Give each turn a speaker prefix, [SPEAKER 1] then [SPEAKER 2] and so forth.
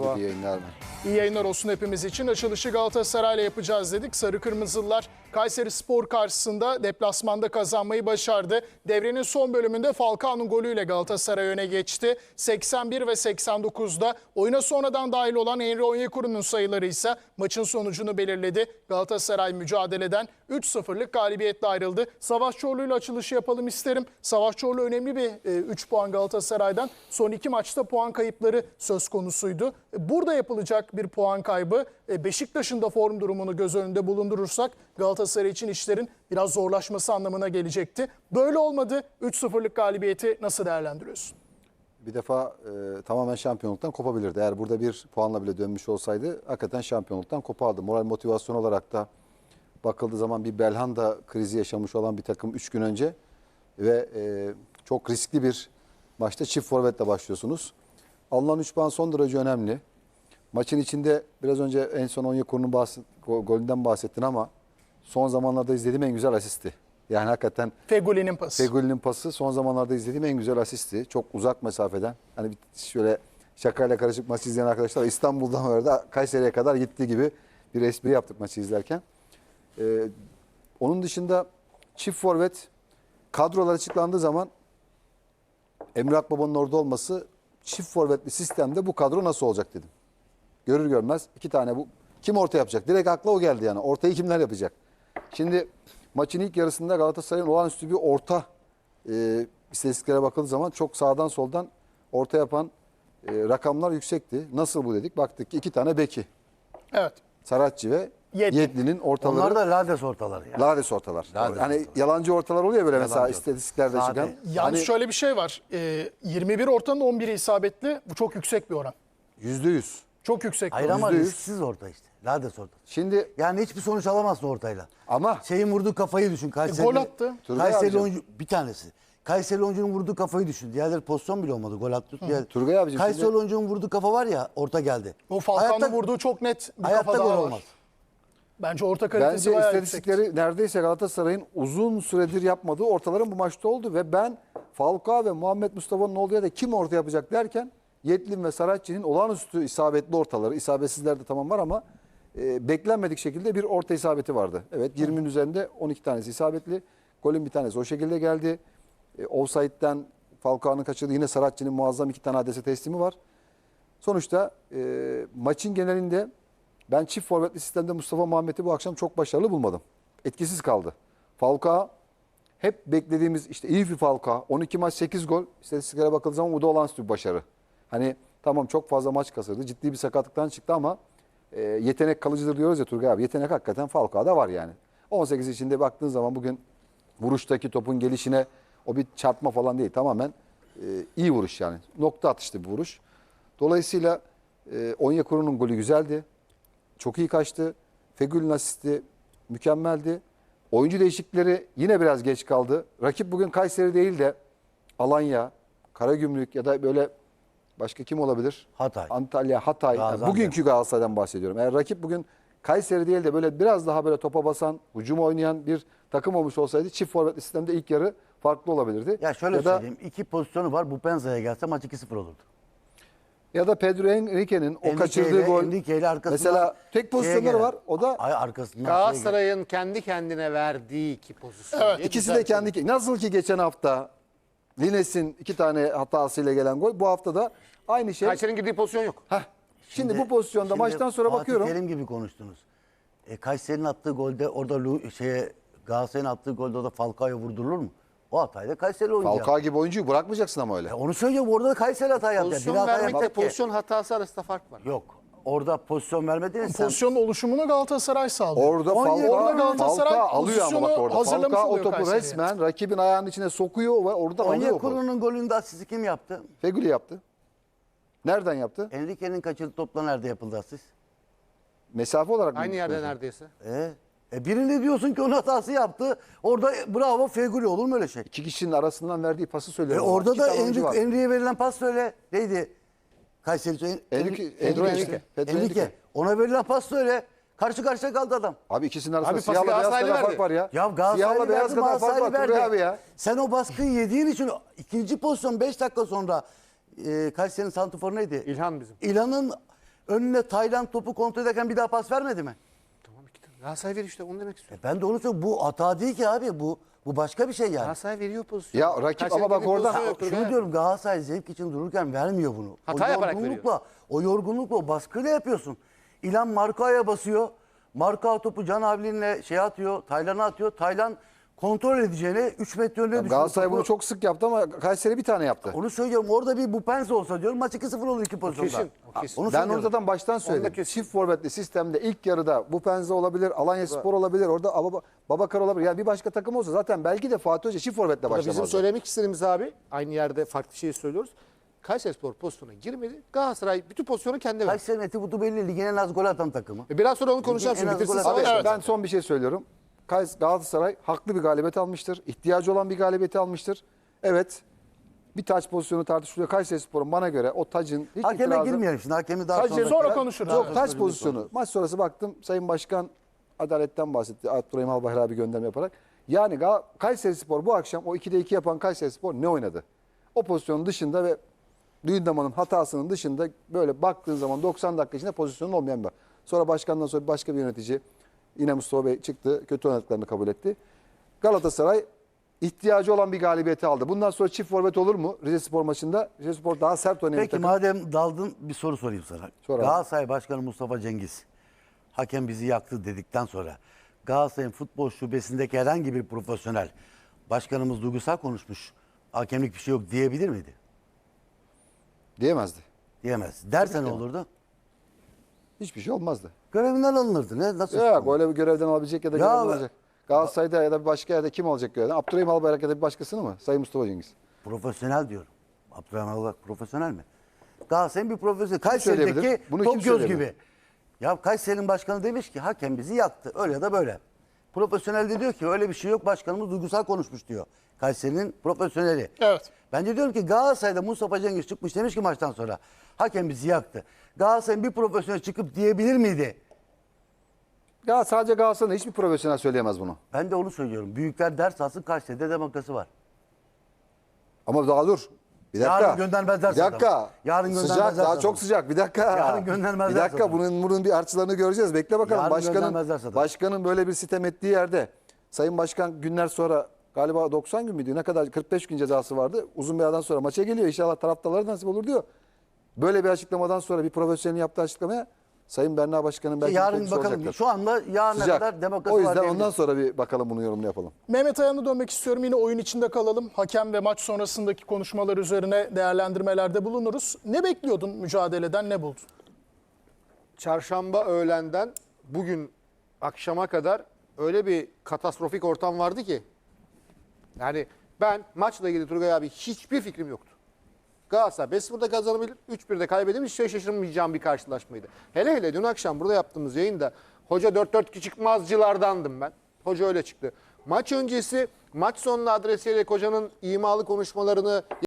[SPEAKER 1] Merhaba.
[SPEAKER 2] İyi yayınlar.
[SPEAKER 1] İyi yayınlar olsun hepimiz için. Açılışı Galatasaray'la yapacağız dedik. Sarı Kırmızılılar Kayserispor karşısında deplasmanda kazanmayı başardı. Devrenin son bölümünde Falcao'nun golüyle Galatasaray öne geçti. 81 ve 89'da oyuna sonradan dahil olan Henry Onyekuru'nun sayıları ise maçın sonucunu belirledi. Galatasaray mücadeleden 3-0'lık galibiyetle ayrıldı. Savaş Çorlu'yla açılışı yapalım isterim. Savaş Çorlu önemli bir 3 puan Galatasaray'dan. Son 2 maçta puan kayıpları söz konusuydu. Burada yapılacak bir puan kaybı. Beşiktaş'ın da form durumunu göz önünde bulundurursak Galatasaray için işlerin biraz zorlaşması anlamına gelecekti. Böyle olmadı. 3-0'lık galibiyeti nasıl değerlendiriyorsun?
[SPEAKER 2] Bir defa tamamen şampiyonluktan kopabilirdi. Eğer burada bir puanla bile dönmüş olsaydı hakikaten şampiyonluktan kopardı. Moral motivasyon olarak da bakıldığı zaman bir Belhanda krizi yaşamış olan bir takım 3 gün önce ve çok riskli bir maçta çift forvetle başlıyorsunuz. Alınan 3 puan son derece önemli. Maçın içinde biraz önce en son Onyekuru'nun golünden bahsettin ama son zamanlarda izlediğim en güzel asisti. Yani hakikaten
[SPEAKER 1] Fegüli'nin pası.
[SPEAKER 2] Fegüli'nin pası son zamanlarda izlediğim en güzel asisti. Çok uzak mesafeden. Hani şöyle şakayla karışık maçı izleyen arkadaşlar İstanbul'dan orada Kayseri'ye kadar gittiği gibi bir espri yaptık maçı izlerken. Onun dışında çift forvet kadrolar açıklandığı zaman Emre Akbaba'nın orada olması çift forvetli sistemde bu kadro nasıl olacak dedim. Görür görmez 2 tane bu. Kim orta yapacak? Direkt akla o geldi yani. Ortayı kimler yapacak? Şimdi maçın ilk yarısında Galatasaray'ın olağanüstü bir orta istatistiklere bakıldığı zaman çok sağdan soldan orta yapan rakamlar yüksekti. Nasıl bu dedik? Baktık ki 2 tane beki.
[SPEAKER 1] Evet.
[SPEAKER 2] Saratçı ve Yedlin'in ortaları.
[SPEAKER 3] Onlar da lades ortaları. Yani.
[SPEAKER 2] Lades ortalar.
[SPEAKER 3] Lades
[SPEAKER 2] hani
[SPEAKER 3] ortalar.
[SPEAKER 2] yalancı ortalar oluyor böyle mesela
[SPEAKER 3] Yalancı
[SPEAKER 2] istatistiklerde
[SPEAKER 3] Sade.
[SPEAKER 2] çıkan.
[SPEAKER 1] Yalnız
[SPEAKER 2] Hani
[SPEAKER 1] şöyle bir şey var. 21 ortanın 11'i isabetli. Bu çok yüksek bir oran.
[SPEAKER 2] %100.
[SPEAKER 1] Çok yüksek bir
[SPEAKER 3] Hayır
[SPEAKER 1] oran.
[SPEAKER 3] ama
[SPEAKER 2] %100.
[SPEAKER 3] risksiz orta işte. Lades orta.
[SPEAKER 2] Şimdi
[SPEAKER 3] Yani hiçbir sonuç alamazsın ortayla.
[SPEAKER 2] ama
[SPEAKER 3] Şeyin vurduğu kafayı düşün. Kayseri,
[SPEAKER 1] gol attı.
[SPEAKER 2] Turgay
[SPEAKER 3] Kayseri
[SPEAKER 2] abicim.
[SPEAKER 3] oyuncu bir tanesi. Kayseri oyuncunun vurduğu kafayı düşün. Diğerleri pozisyon bile olmadı. Gol attı.
[SPEAKER 2] Turgay abicim
[SPEAKER 3] Kayseri
[SPEAKER 2] şimdi-
[SPEAKER 3] oyuncunun vurduğu kafa var ya orta geldi.
[SPEAKER 1] O Falcao'nun
[SPEAKER 3] Hayatta-
[SPEAKER 1] vurduğu çok net bir
[SPEAKER 3] Hayatta
[SPEAKER 1] kafa
[SPEAKER 3] gol
[SPEAKER 1] daha var.
[SPEAKER 3] olmaz.
[SPEAKER 1] Bence orta kalitesi
[SPEAKER 2] Bence
[SPEAKER 1] bayağı yüksek.
[SPEAKER 2] istatistikleri neredeyse Galatasaray'ın uzun süredir yapmadığı ortaların bu maçta oldu ve ben Falcao ve Muhammed Mustafa'nın olduğu yerde kim orta yapacak derken Yedlin ve Saratçı'nın olağanüstü isabetli ortaları, isabetsizler de tamam var ama beklenmedik şekilde bir orta isabeti vardı. Evet 20'nin üzerinde 12 tanesi isabetli. Golün bir tanesi o şekilde geldi. Offside'den Falcao'nun kaçırdığı yine Saratçı'nın muazzam 2 tane adrese teslimi var. Sonuçta maçın genelinde ben çift forvetli sistemde Mustafa Muhammed'i bu akşam çok başarılı bulmadım. Etkisiz kaldı. Falcao hep beklediğimiz işte iyi bir Falcao. 12 maç 8 gol. İstatistiklere bakıldığı zaman bu da olağanüstü bir başarı. Hani tamam çok fazla maç kasırdı. Ciddi bir sakatlıktan çıktı ama yetenek kalıcıdır diyoruz ya Turgay abi. Yetenek hakikaten Falcao'da var yani. 18 içinde baktığın zaman bugün vuruştaki topun gelişine o bir çarpma falan değil. Tamamen iyi vuruş yani. Nokta atışlı bir vuruş. Dolayısıyla Onyekuru'nun golü güzeldi. Çok iyi kaçtı. Fegül'ün asisti mükemmeldi. Oyuncu değişiklikleri yine biraz geç kaldı. Rakip bugün Kayseri değil de Alanya, Karagümrük ya da böyle başka kim olabilir?
[SPEAKER 3] Hatay.
[SPEAKER 2] Antalya, Hatay. Yani
[SPEAKER 3] Gaziantep.
[SPEAKER 2] bugünkü Galatasaray'dan bahsediyorum. Eğer rakip bugün Kayseri değil de böyle biraz daha böyle topa basan, hücum oynayan bir takım olmuş olsaydı çift forvetli sistemde ilk yarı farklı olabilirdi.
[SPEAKER 3] Ya şöyle
[SPEAKER 2] da,
[SPEAKER 3] söyleyeyim. 2 pozisyonu var. Bu Penza'ya gelse maç 2-0 olurdu.
[SPEAKER 2] Ya da Pedro Henrique'nin o
[SPEAKER 3] Enrique
[SPEAKER 2] kaçırdığı
[SPEAKER 3] ile-
[SPEAKER 2] gol.
[SPEAKER 3] Enrique ile arkasından
[SPEAKER 2] Mesela tek pozisyonları
[SPEAKER 3] gelen-
[SPEAKER 2] var. O da
[SPEAKER 3] Ay arkasından
[SPEAKER 4] Galatasaray'ın kendi kendine verdiği 2 pozisyon.
[SPEAKER 1] Evet,
[SPEAKER 4] diye
[SPEAKER 2] İkisi de
[SPEAKER 4] düzeltelim.
[SPEAKER 2] kendi. Nasıl ki geçen hafta Lines'in 2 tane hatasıyla gelen gol. Bu hafta da aynı şey.
[SPEAKER 4] Kayseri'nin girdiği pozisyon yok.
[SPEAKER 2] Şimdi bu pozisyonda
[SPEAKER 3] Şimdi
[SPEAKER 2] maçtan sonra
[SPEAKER 3] Fatih
[SPEAKER 2] bakıyorum.
[SPEAKER 3] Terim gibi konuştunuz. Kayseri'nin attığı golde orada Galatasaray'ın attığı golde orada Falcao'ya vurdurulur mu? O hatayı da Kayseri oyuncu yaptı.
[SPEAKER 2] Falcao gibi oyuncuyu bırakmayacaksın ama öyle.
[SPEAKER 3] Onu söylüyorum orada da Kayseri hata yaptı.
[SPEAKER 4] Pozisyon
[SPEAKER 3] Bir hata
[SPEAKER 4] vermekle
[SPEAKER 3] yapacak ki.
[SPEAKER 4] pozisyon hatası arasında fark var.
[SPEAKER 3] Yok. Orada pozisyon vermediniz sen.
[SPEAKER 1] Pozisyonun oluşumunu Galatasaray sağlıyor.
[SPEAKER 2] Orada
[SPEAKER 1] Orada Galatasaray
[SPEAKER 2] Falcao alıyor ama bak
[SPEAKER 1] pozisyonu
[SPEAKER 2] orada.
[SPEAKER 1] hazırlamış
[SPEAKER 2] Falcao o
[SPEAKER 1] oluyor
[SPEAKER 2] topu
[SPEAKER 1] Kayseri'ye.
[SPEAKER 2] resmen rakibin ayağının içine sokuyor ve orada alıyor.
[SPEAKER 3] Onyekuru'nun golünde asisti kim yaptı?
[SPEAKER 2] Fegüli yaptı. Nereden yaptı?
[SPEAKER 3] Enrique'nin kaçırdığı topla nerede yapıldı asist?
[SPEAKER 2] Mesafe olarak mı?
[SPEAKER 4] Aynı yerde
[SPEAKER 2] düşünüyorsun?
[SPEAKER 4] neredeyse.
[SPEAKER 3] Birini diyorsun ki onun hatası yaptı. Orada bravo Fegüli olur mu öyle şey?
[SPEAKER 2] İki kişinin arasından verdiği pası söylüyorum.
[SPEAKER 3] Orada
[SPEAKER 2] İki
[SPEAKER 3] da
[SPEAKER 2] tane oyuncu var.
[SPEAKER 3] Enrique'ye verilen pas söyle. Neydi? Kayseri
[SPEAKER 2] Enrique. Pedro Enrique.
[SPEAKER 3] Ona verilen pas söyle. Karşı karşıya kaldı adam.
[SPEAKER 2] Abi ikisinin arasında
[SPEAKER 4] Abi pası
[SPEAKER 2] siyahla beyaz
[SPEAKER 4] Galatasaraylı
[SPEAKER 2] kadar fark
[SPEAKER 4] verdi.
[SPEAKER 2] var ya.
[SPEAKER 3] Ya
[SPEAKER 2] Siyahla
[SPEAKER 3] Galatasaray'ı
[SPEAKER 2] beyaz
[SPEAKER 3] verdi,
[SPEAKER 2] kadar fark var
[SPEAKER 3] Galatasaray'ı
[SPEAKER 2] Turgay
[SPEAKER 3] verdi.
[SPEAKER 2] abi ya.
[SPEAKER 3] Sen o baskıyı yediğin için ikinci pozisyon 5 dakika sonra Kayseri'nin santrforu neydi?
[SPEAKER 4] İlhan bizim.
[SPEAKER 3] İlhan'ın Önüne Tayland topu kontrol ederken bir daha pas vermedi mi?
[SPEAKER 4] Tamam işte. Galatasaray veriyor işte onu demek istiyorum.
[SPEAKER 3] Ben de onu söylüyorum. Bu hata değil ki abi. Bu başka bir şey yani.
[SPEAKER 4] Galatasaray veriyor pozisyonu.
[SPEAKER 2] Ya rakip
[SPEAKER 4] Kayseri
[SPEAKER 2] ama bak
[SPEAKER 4] gibi
[SPEAKER 2] oradan-
[SPEAKER 4] pozisyon yoktur
[SPEAKER 3] Şunu
[SPEAKER 4] be.
[SPEAKER 3] diyorum, Galatasaray zevk için dururken vermiyor bunu.
[SPEAKER 4] Hata yaparak
[SPEAKER 3] O yorgunlukla, o baskıyla yapıyorsun. İlhan Markao'ya basıyor. Markao topu Can Avlin'le atıyor, Taylan'a atıyor. Taylan kontrol edeceğine 3 metre önüne düşüyor.
[SPEAKER 2] Galatasaray
[SPEAKER 3] topu.
[SPEAKER 2] bunu çok sık yaptı ama Kayseri bir tane yaptı.
[SPEAKER 3] Onu söylüyorum. Orada bir Bupense olsa diyorum maç 2-0 olur iki pozisyonda.
[SPEAKER 4] kesin, o kesin.
[SPEAKER 3] Onu
[SPEAKER 2] Ben
[SPEAKER 3] söylüyorum.
[SPEAKER 2] onu zaten baştan söyledim.
[SPEAKER 4] kesin.
[SPEAKER 2] Çift forvetli sistemde ilk yarıda bu Penze olabilir, Alanya Spor olabilir, orada Babakar olabilir. Yani bir başka takım olsa zaten belki de Fatih Hoca çift forvetle
[SPEAKER 4] Burada bizim
[SPEAKER 2] başlamazdı.
[SPEAKER 4] söylemek istediğimiz abi aynı yerde farklı şey söylüyoruz. Kayserispor pozisyona girmedi. Galatasaray bütün pozisyonu kendi verdi.
[SPEAKER 3] Kayseri'nin eti butu belli. Ligin en az gol atan takımı.
[SPEAKER 4] Biraz sonra onu konuşacağım.
[SPEAKER 3] En
[SPEAKER 4] Şimdi
[SPEAKER 3] az
[SPEAKER 4] bitirsin
[SPEAKER 3] gol atan-
[SPEAKER 4] savaş.
[SPEAKER 2] Abi ben son bir şey söylüyorum. Galatasaray haklı bir galibiyet almıştır. İhtiyacı olan bir galibiyeti almıştır. Evet. Bir taç pozisyonu tartışılıyor. Kayserispor'un bana göre o tacın hiç
[SPEAKER 3] Hakeme
[SPEAKER 2] itirazı-
[SPEAKER 3] girmeyelim şimdi. Hakemi daha
[SPEAKER 2] Tacı
[SPEAKER 1] sonra konuşuruz.
[SPEAKER 2] Yok
[SPEAKER 1] Evet.
[SPEAKER 2] taç pozisyonu. Maç sonrası baktım Sayın Başkan adaletten bahsetti. Abdurrahim Albayrak abi gönderme yaparak. Yani Kayserispor bu akşam o 2'de 2 yapan Kayserispor ne oynadı? O pozisyonun dışında ve Luyendama'nın hatasının dışında böyle baktığın zaman 90 dakika içinde pozisyonun olmayan bir. Sonra başkandan sonra başka bir yönetici yine Mustafa Bey çıktı. Kötü oynadıklarını kabul etti. Galatasaray ihtiyacı olan bir galibiyeti aldı. Bundan sonra çift forvet olur mu Rizespor maçında? Rizespor daha sert oynayan bir
[SPEAKER 3] Peki
[SPEAKER 2] takım.
[SPEAKER 3] madem daldın bir soru sorayım sana.
[SPEAKER 2] Sor abi.
[SPEAKER 3] Galatasaray Başkanı Mustafa Cengiz hakem bizi yaktı dedikten sonra Galatasaray'ın futbol şubesindeki herhangi bir profesyonel başkanımız duygusal konuşmuş. Hakemlik bir şey yok diyebilir miydi?
[SPEAKER 2] Diyemezdi.
[SPEAKER 3] Diyemez. Derse ne olurdu?
[SPEAKER 2] Hiçbir şey olmazdı.
[SPEAKER 3] Görevinden alınırdı. Ne? Nasıl?
[SPEAKER 2] Yok öyle bir görevden alabilecek ya da
[SPEAKER 3] Ya
[SPEAKER 2] görevden
[SPEAKER 3] be-
[SPEAKER 2] alacak. Galatasaray'da ya da bir başka yerde kim alacak görevden? Abdurrahim Albayrak ya da bir başkasını mı? Sayın Mustafa Cengiz.
[SPEAKER 3] Profesyonel diyorum. Abdurrahman Albayrak profesyonel mi? Galatasaray'ın bir profesyonel.
[SPEAKER 2] söyleyebilir?
[SPEAKER 3] Kayseri'deki
[SPEAKER 2] Bunu kim
[SPEAKER 3] Top Göz
[SPEAKER 2] söyleyebilir?
[SPEAKER 3] gibi. Ya Kayseri'nin başkanı demiş ki hakem bizi yaktı. Öyle ya da böyle. Profesyonel de diyor ki öyle bir şey yok, başkanımız duygusal konuşmuş diyor. Kayseri'nin profesyoneli.
[SPEAKER 1] Evet.
[SPEAKER 3] Ben de diyorum ki Galatasaray'da Mustafa Cengiz çıkmış demiş ki maçtan sonra hakem bizi yaktı. Galatasaray'ın bir profesyonel çıkıp diyebilir miydi?
[SPEAKER 2] Ya sadece Galatasaray'da hiçbir profesyonel söyleyemez bunu.
[SPEAKER 3] Ben de onu söylüyorum. Büyükler ders alsın, Kayseri'de demokrasi var.
[SPEAKER 2] Ama daha dur. Bir dakika.
[SPEAKER 3] Yarın göndermezler
[SPEAKER 2] Bir dakika.
[SPEAKER 3] zaten. Yarın
[SPEAKER 2] Sıcak,
[SPEAKER 3] göndermezler
[SPEAKER 2] daha
[SPEAKER 3] zaten.
[SPEAKER 2] çok sıcak. Bir dakika.
[SPEAKER 3] Yarın göndermezler
[SPEAKER 2] Bir dakika.
[SPEAKER 3] zaten.
[SPEAKER 2] Bunun bir artçılarını göreceğiz. Bekle bakalım.
[SPEAKER 3] Yarın göndermezler
[SPEAKER 2] Başkanın,
[SPEAKER 3] zaten.
[SPEAKER 2] başkanın böyle bir sitem ettiği yerde Sayın Başkan günler sonra galiba 90 gün müydü? Ne kadar 45 gün cezası vardı. Uzun bir aradan sonra maça geliyor. İnşallah taraftarlara nasip olur diyor. Böyle bir açıklamadan sonra bir profesyonelin yaptığı açıklamaya Sayın Berna Başkan'ın belki
[SPEAKER 3] Yarın
[SPEAKER 2] tepkisi
[SPEAKER 3] bakalım.
[SPEAKER 2] olacaktır.
[SPEAKER 3] Şu anda yarına
[SPEAKER 2] Sıcak.
[SPEAKER 3] kadar demokrasi
[SPEAKER 2] O
[SPEAKER 3] var
[SPEAKER 2] yüzden
[SPEAKER 3] diyebiliriz.
[SPEAKER 2] ondan sonra bir bakalım bunu yorumunu yapalım.
[SPEAKER 1] Mehmet Ayan'a dönmek istiyorum. Yine oyun içinde kalalım. Hakem ve maç sonrasındaki konuşmalar üzerine değerlendirmelerde bulunuruz. Ne bekliyordun mücadeleden, ne buldun?
[SPEAKER 4] Çarşamba öğlenden bugün akşama kadar öyle bir katastrofik ortam vardı ki. Yani ben maçla ilgili Turgay abi hiçbir fikrim yoktu. Galatasaray 5-0'da kazanabilir, 3-1'de kaybedebilir. Hiç şaşırmayacağım bir karşılaşmaydı. Hele hele dün akşam burada yaptığımız yayında hoca 4-4-2 çıkmazcılardandım ben. Hoca öyle çıktı. Maç öncesi, maç sonuna adresiyle hocanın imalı konuşmalarını